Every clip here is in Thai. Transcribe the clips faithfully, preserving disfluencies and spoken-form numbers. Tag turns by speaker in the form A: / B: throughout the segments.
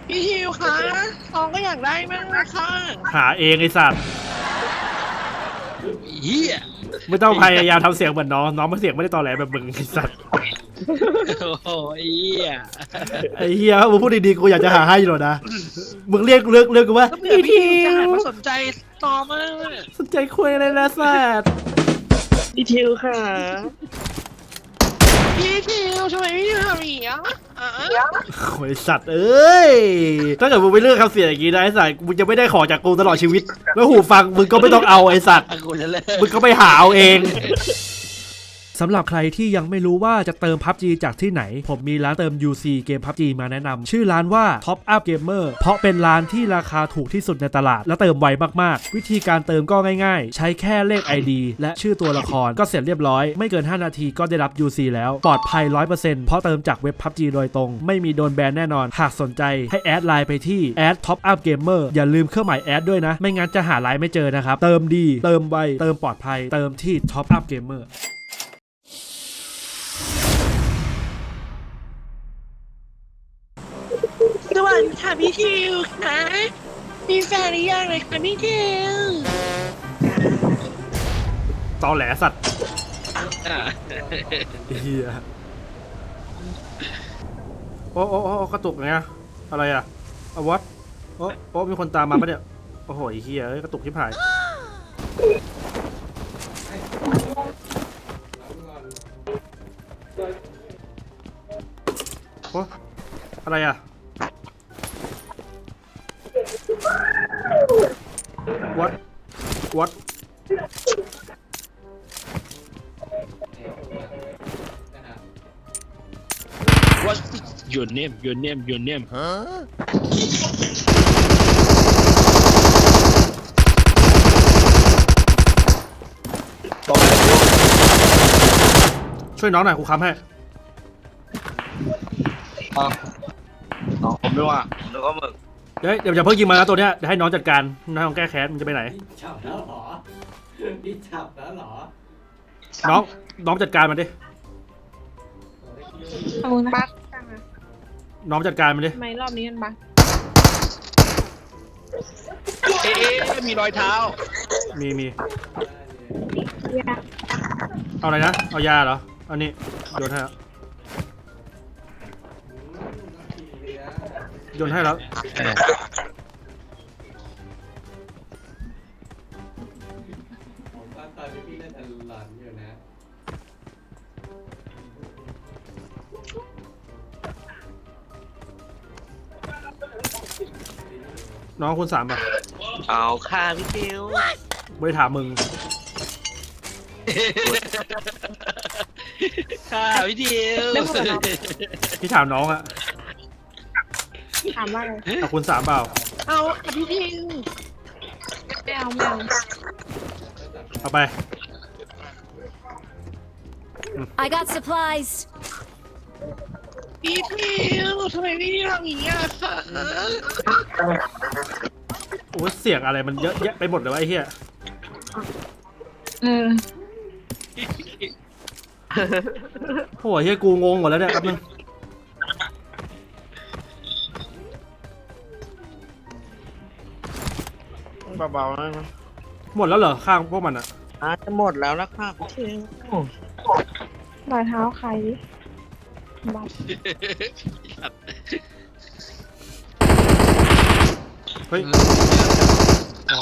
A: พี่ฮิวคะน้องก็อยากได้มากนะคะ
B: หาเองไอ้สัตว์
A: เฮีย
B: ไม่ต้องพยายามทำเสียงเหมือนน้องน้องมันเสียงไม่ได้ตอแหลแบบมึงไอ้สัตว์
A: โอ้โหเฮีย
B: ไอ้เฮียมึงพูดดีๆกูอยากจะหาให้อยู่นะมึงเรียกเลือกเลือกกูว่า
A: พี่ฮิวจะหันมาสนใจต่อมาก
B: สนใจคุยอะไรนะสัตว์
A: พี่ฮิวค่ะพี่ฮิวทำไมพี่ฮิวทำอย่างนี้อ่ะ
B: โอ้ยสัตว์เอ้ยถ้าเกิดมึงไปเลือกคำเสียงอย่างนี้นะไอ้สัตว์มึงจะไม่ได้ของจากกูตลอดชีวิตแล้วหูฟังมึงก็ไม่ต้องเอาไอ้สัตว์มึงก็ไปหาเอาเองสำหรับใครที่ยังไม่รู้ว่าจะเติม พับจี จากที่ไหนผมมีร้านเติม ยู ซี เกม พับจี มาแนะนำชื่อร้านว่า Top Up Gamer เพราะเป็นร้านที่ราคาถูกที่สุดในตลาดและเติมไวมากๆวิธีการเติมก็ง่ายๆใช้แค่เลข ไอ ดี และชื่อตัวละครก็เสร็จเรียบร้อยไม่เกินห้านาทีก็ได้รับ ยู ซี แล้วปลอดภัย ร้อยเปอร์เซ็นต์ เพราะเติมจากเว็บ พับจี โดยตรงไม่มีโดนแบนแน่นอนหากสนใจให้แอดไลน์ไปที่ แอด Top Up Gamer อย่าลืมเครื่องหมายแอดด้วยนะไม่งั้นจะหาไลน์ไม่เจอนะครับเติมดีเติมไวเติมปลอดภัยเติมที่ Top Up Gamer
A: สวัสดีค่ะพี่ฮิวค่ะมีแฟนหรือยังเลยค่ะพี่ฮิว
B: ตอแหลสัตว์เฮียโอ้โอ้โอ้กระตุกไงอะไรอะเอาวัดโอ้โอ้มีคนตามมาปะเนี่ยโอ้โหเฮียกระตุกที่ผายโอ้อะไรอะวัดวัด
A: What's your name your name your name ฮะ
B: ช่วยน้องหน่อยครูค้ำให้
A: น้องผมไม่ว่าแล้วก็มึง
B: เดี๋ยวเดี๋ยวอย่าเพิ่งยิงมาแล้วตัวเนี้ยเดี๋ยวให้น้องจัดการน้องแก้แค้นมันจะไปไหน
C: จับแล้วหรอนี่จับแล้วหรอ
B: น้องน้องจัดการมันดิ
D: เอานะบักจังอะ
B: น้องจัดการมันดิ
D: ทำไมรอบนี้มันบัก
A: เอ๊ะมีรอยเท้า
B: มีมี
D: ยา
B: เอาอะไรนะเอายาเหรออันนี้โยนให้แล้วโยนให้แล้ว
C: ผมว่าตอนนี้พี่น่าจะหลอนอยู่นะ
B: น้องคุณสามป่ะ
A: เอาค่ะพี่คิว
B: ไม่ได้ถามมึง
A: ค่ะพี่คิว
B: พี่ถามน้องอะ
D: ถามว่าอะไร
B: เอาคุณสามเปล่า
D: เอาพี่ทิงไม่เอาไม่เอา
B: เอาไป
E: I got supplies
A: พี่ทิวทำไมพี่ทำอย่างนี้ค่ะ
B: โอ้เสียงอะไรมันเยอะแยะไปหมดเลยวะไอ้เหี้ย
D: เออ
B: โอ้ยเหี้ยกูงงหมดแล้วเนี่ยแป๊บนึง
A: เบาๆนะ
B: หมดแล้วเหรอข้างพวกมันอะ
A: อาจจะหมดแล้วนะค่ะพี่คิว
D: รอยเท้าใครบัก
B: เฮ้ยอ๋อ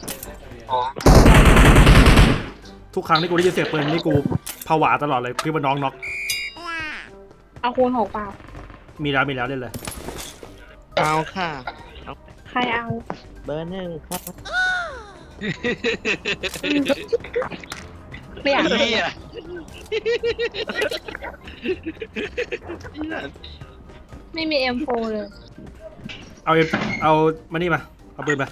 B: ทุกครั้งที่กูได้ยินเสียงปืนนี่กูผวาตลอดเลยพี่ว่าน้องน็อก
D: เอาคูณหกเปล่า
B: มีแล้วมีแล้วเล่นเลย
A: เอาค่ะ
D: ใครเอา
A: เบอร์หนึ่งครับ
D: ไม่อยาก
A: เลย
D: ไม่มี เอ็ม โฟร์ เลย
B: เอาเอามานี่มาเอาปืนมา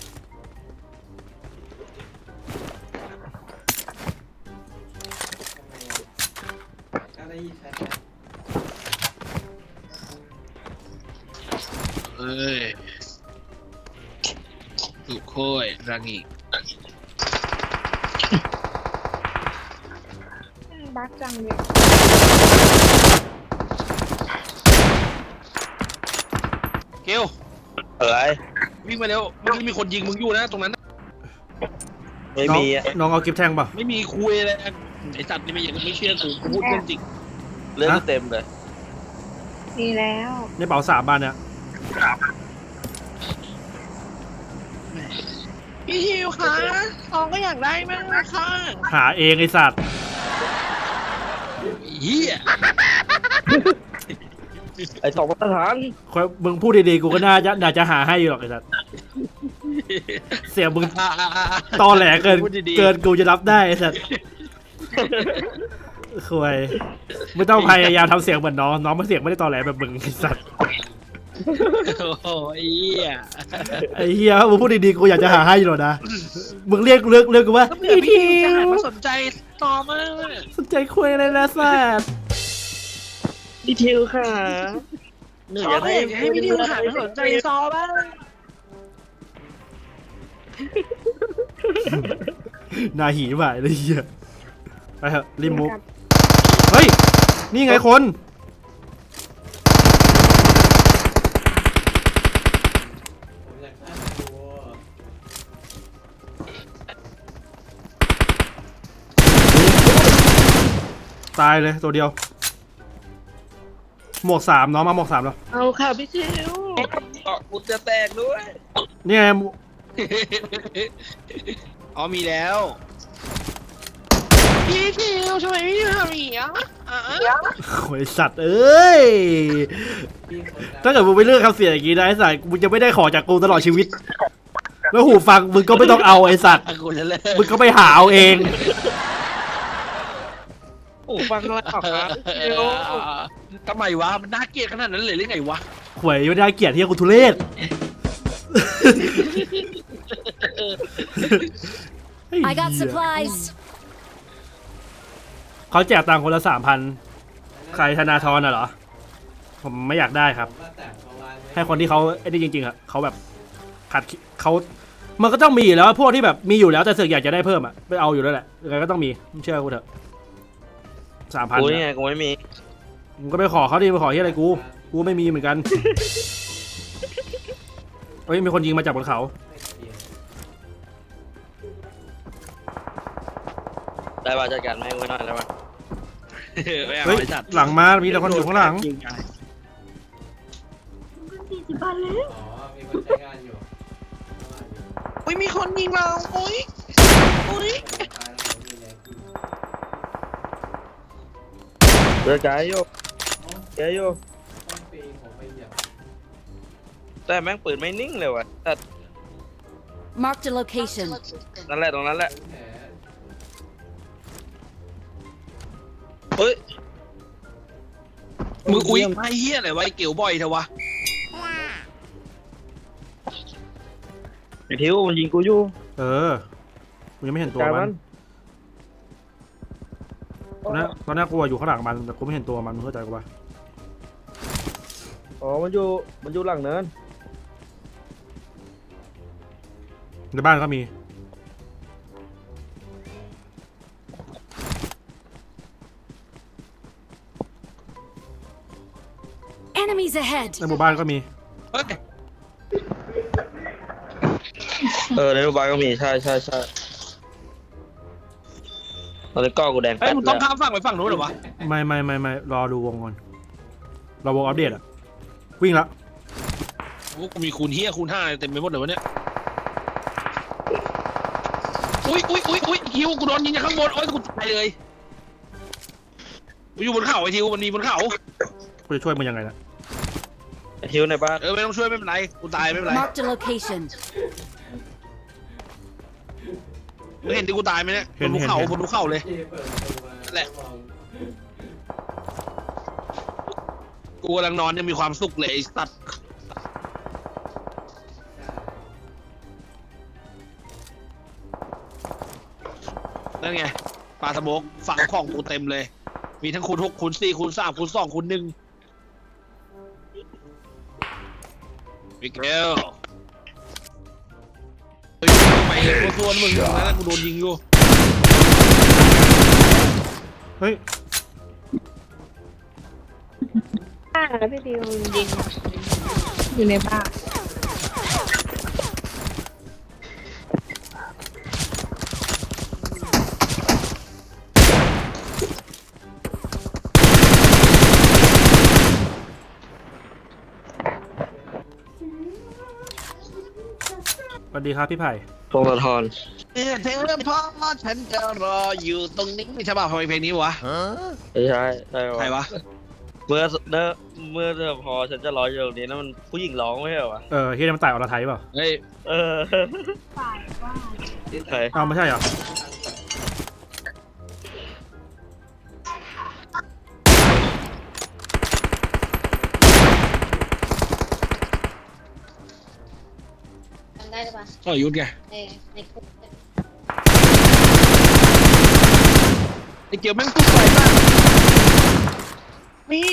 A: เอ้ยสุโค้ยรังอีก
D: บักจังเลย
F: เกล
G: อะไร
F: วิ่งมาเร็วเมื่อกี้มีคนยิงมึงอยู่นะตรงนั้น
G: ไม่
B: น้อง
G: มีอะ
B: น้องเอากิฟต์แทงป่ะ
F: ไม่มีคุยเลยไอสัตว์นี่ไม่อยากไม่เชื่อกูพูดเรื่องจริง
G: เรื่อง
B: ฮะ
G: เต็มเลย
D: มีแล้ว
B: ในเป๋าสามบานเนี่ย
A: พี่ทิวคะทองก็อยากได้มากเลยค่ะ
B: หาเองไอสัตว์
F: เฮีย
G: ไอ้สองมาตรฐาน
B: มึงพูดดีๆกูก็น่าจะน่าจะหาให้อยู่หรอกไอสัตว์เสียงมึงตอแหลเกิน
F: พูดดีๆ
B: เกินกูจะรับได้ไอสัตว์ควยไม่ต้องพยายามทำเสียงเหมือนน้องน้องมันเสียงไม่ได้ตอแหลแบบมึงไอสัตว์
F: โอ้โหไอ้เฮีย
B: ไอ้เฮียมึงพูดดีๆกูอยากจะหาให้อยู่หรอกนะมึงเรียกเลือกเลือกกูว่า
A: ก็เผื่อพี่ทิวจะหันมาสนใจต่อมาก
B: สนใจคุยอะไรนะสัตว์
G: พี่ทิวค่ะหนู
A: ซ
G: อ
A: อย
G: าก
A: ก็
G: ให้
A: อยากจะให้พี่ทิวหันมาสนใจซอบ้าง
B: นาหีบ่ายเลยเฮียไปเถอะรีบมุกเฮ้ยนี่ไงคน
C: ผมอยากฆ่าตัว
B: ตายเลยตัวเดียวหมวกสามน้องมาหมวกสามแล้ว
A: เอาค่ะพี่ทิว
G: เกาะกูจะแตกด้วย
B: นี่ไง
F: อ๋อมีแล้ว
A: พี่ทิวทำไมพี่ทิวทำอย่างนี้อ่ะอ่ะ
B: โอ้ยสัตว์เอ้ย
C: พี่คนดัง
B: ถ้าเกิดมึงไปเลือกคำเสียงอย่างนี้นะไอ้สัตว์มึงจะไม่ได้ของจากกูตลอดชีวิต แล้วหูฟังมึงก็ไม่ต้องเอาไอ้สัตว์
F: กูจะเลิก
B: มึงก็ไปหาเอาเอง
G: โอ้ฟังอะไรออกครับพี่ทิว
F: ทำไมวะมันน่าเกลียดขนาดนั้นเลยหรือไงวะ
B: หวยไม่ได้เกลียดที่กูทุเรศ
E: I got supplies.
B: เขาแจกตังค์คนละสามพันใครธนาธรน่ะเหรอ ผมไม่อยากได้ครับ
C: ผมว่าแต่งประมาณนี้
B: ให้คนที่เขาไอ้นี่จริงๆอะเขาแบบขัดเขามันก็ต้องมีอยู่แล้วพวกที่แบบมีอยู่แล้วแต่เสือกอยากจะได้เพิ่มอะไปเอาอยู่แล้วแหละยังไงก็ต้องมีเชื่อกูเถอะสามพัน
G: กูนี่ไงกูไม่มี
B: มึงก็ไปขอเขาดิไปขอที่อะไรกูกูไม่มีเหมือนกันเฮ้ยมีคนยิงมาจากบนเขา
G: ได้ป่ะจัดการแม่งไว้หน่อยได้ป่ะ
F: ไม่เอา
B: เฮ้ย
F: ไอ้สัตว์
B: หลังมามีแต่คนอยู่ข้างหลัง
F: ยิงไง
C: อ๋อมีคนใช้งานอยู่
A: อุ้ยมีคนยิงเราอุ้ยอุ้ย
C: ตายแล้วผมมีแรงขึ้น
G: เดือดใจอยู่ใจอยู่
C: ต้องปีนผมไปเหยียบ
G: แต่แม่งปืนไม่นิ่งเลยว่ะแต่
E: Marked a location.
G: นั่นแหละตรงนั้นแหละ
C: แผล
G: เฮ้ย
F: มึงอุ้ยไอ้เฮียอะไรวะไอ้เกี่ยวบ่อยเถอะวะ
G: ไอ้ทิวมันยิงกูอยู่
B: เออมึงยังไม่เห็นตัว
G: จ่าย
B: มั
G: มัน น
B: ตอนนี้ตอนนี้กูอะอยู่ข้างหลังมันแต่กูไม่เห็นตัวมันมึงเข้าใจกูปะ
G: อ๋อมันอยู่มันอยู่หลังเนิน
B: ในบ้านก็มี
E: Enemies ahead.
B: ในหมู่บ้านก็มี
F: เฮ้ย
G: เออในโรงพยาบาลก็มีใช่ใช่ใช่ตอนนี้ก้อกูแดง
F: เฮ้ย
G: แป๊ด
F: มึง
G: เล
F: ต้อง
G: ย
F: ข้ามฝั่งไปฝั่งนู้นเหรอวะ
B: ไม่ไม่ไม่ไม่รอดูวงก่อนรอวงอัปเดตอะวิ่งละ
F: โอ้กูมีคูณเฮียคูณห้าเต็มไปหมดเลยวะเนี่ยอุ้ยอุ้ยอุ้ยอุ้ยทิวกูโดนยิงจากข้างบนโอ้ยกูตายเลยกูอยู่บนเขาไอ้ทิวมันมีบนเขา
B: กูจะช่วยมึงยังไงนะ
G: ไอ้ทิวในบ้าน
F: เออไม่ต้องช่วยไม่เป็นไรกูตายไม่เป็นไร
E: Marked a location.
F: มึงเห็นที่กูตายไหมเนี่ยบนภูเขาบนภูเขาเลย
C: ที่เปิดประตูมา
F: นั่นแหละ
C: มอง
F: กูกำลังนอนยังมีความสุขเลยไอ้สัตว์นั่นไงปลาสโมกฝังของกูเต็มเลย มีทั้งคูณหกคูณสี่คูณสามคูณสองคูณหนึ่งมิเกลเฮ้ยไปเลยกูส่วนมึงตรงนั้นนะกูโดนยิงอยู่
B: เฮ้ย
D: อ่าแล้วพี่ดิวยิงอยู่ในบ้าน
B: สวัสดีครับพี่ไผ่
G: พงศธร
F: เออเธอพ่อฉันจะรออยู่ตรงนี้ใช่ป่ะทำไมเพลงนี้วะ
G: ไม่ใช่ได้
F: ใครวะ
G: เมื่อเมื่อเมื่อเธอพอฉันจะร้อยอยู่ตรงนี้นั่นมันผู้หญิงร้องไม่ใช่เหรอวะ
B: เออเฮียมันตายอรไทยเปล่า
F: เฮ้ย
G: เออใคร
B: เอาไม่ใช่เหรอ
H: จำได้หรือเปล่า
F: ก็ยุทธไง
H: ในในคุกเนี่ย
F: ไอ้เกียวแม่งตุ๊กไฟมากนี่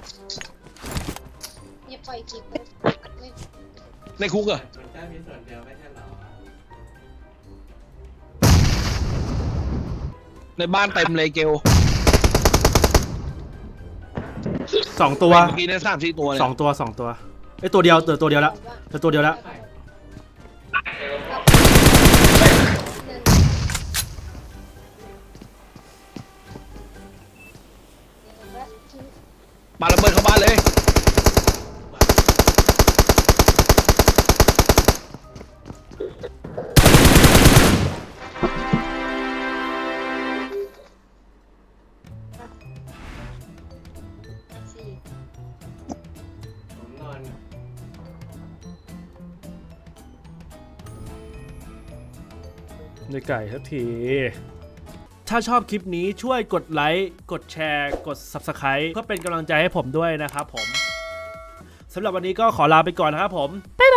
H: เนี่ยปล่อยคลิปไม่
F: ในคุกเหรอ
C: มันแค่มีส่วนเดียวไม่ใช่เหรอ
F: ในบ้านเต็มเลยเกล
B: สองตัว
F: เมื่อกี้เนี่ยสามสี่ตัวเลย
B: สองตัวสองตัวไอยตัวเดียวเตือตัวเดียวละเตือตัวเดียวละ
F: มาระเบิดเข้าบ้านเลย
H: สี่
C: ผมนอน
B: ในไก่ทักที ถ้าชอบคลิปนี้ช่วยกดไลค์กดแชร์กด ซับสไครบ์ เพื่อเป็นกำลังใจให้ผมด้วยนะครับผมสำหรับวันนี้ก็ขอลาไปก่อนนะครับผมบ๊าย